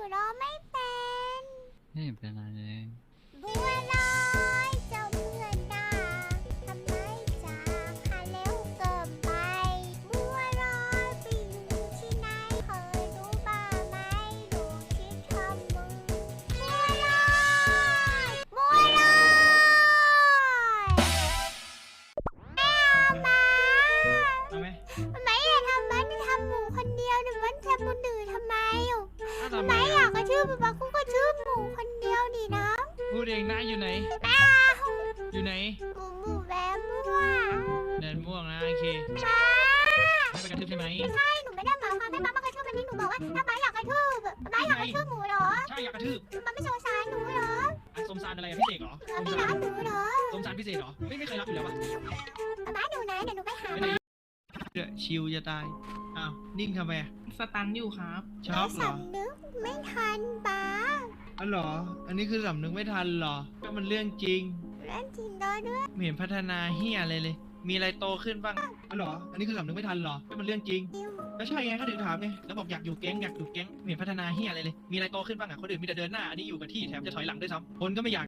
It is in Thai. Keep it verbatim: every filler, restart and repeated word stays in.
ร้องไม่เป็นไม่เป็นไรเลยบัวลอยเจ้าเพื่อนด่าทำไมจากหาเร็วเกินไปบัวลอยไปอยู่ที่ไหนเคยรู้บ้างไหมลูกคิดทำมึงบัวลอยบัวลอยไม่เอามาเอาไหมไม่อยากทำมันทำหมูคนเดียวหรือมันทำคนอื่นทำไมอ่ะอ้าวทำทำไมไมอยาอ่ะกกระชื่อป๊าป๊ากูก็ชื่อหมูคนเดียวดินะพูดเองนะอยู่ไหนไม่เอาอยู่ไหนหมูหมูแบมั่วเดินม่วงนะโอเคป้าให้ไปกระทืบใช่ไหมใช่หนูไม่ได้หมายความให้ป้ามากระชื่อมันนี่หนูบอกว่าถ้าป้าอยากกระชื่อป้าอยากกระชื่อหมูเหรอใช่อยากกระทืบป้าไม่สงสารหนูเหรออ่ะสมสารอะไรอ่ะพิเศษเหรอป้าสมไม่สารัรกหนูเหรอสมสารพิเศษเหรอไม่ไม่เคยรับอยู่แล้วปะป้าหนูไหนเดี๋ยวหนูไปหาไปไหนเดี๋ยวชิวจะตายอ้าวนิ่งทำไมอ่ะสตันอยู่ครับช็อกเหรอสำนึกไม่ทันป้าอ๋อเหรอ อันนี้คือสำนึกไม่ทันเหรอก็มันเรื่องจริงเล่นจริงด้วยด้วยไม่เห็นพัฒนาเฮียอะไรเลย มีอะไรโตขึ้นบ้างอ๋อเหรอ อันนี้คือสำนึกไม่ทันเหรอก็มันเรื่องจริง ก็ใช่ไงก็ถึงถามไงแล้วบอกอยากอยู่แก๊งอยากอยู่แก๊งไม่เห็นพัฒนาเฮียอะไรเลย มีอะไรโตขึ้นบ้างอ่ะคนอื่นมีแต่เดินหน้าอันนี้อยู่กับที่แถมจะถอยหลังด้วยซ้ำคนก็ไม่อยาก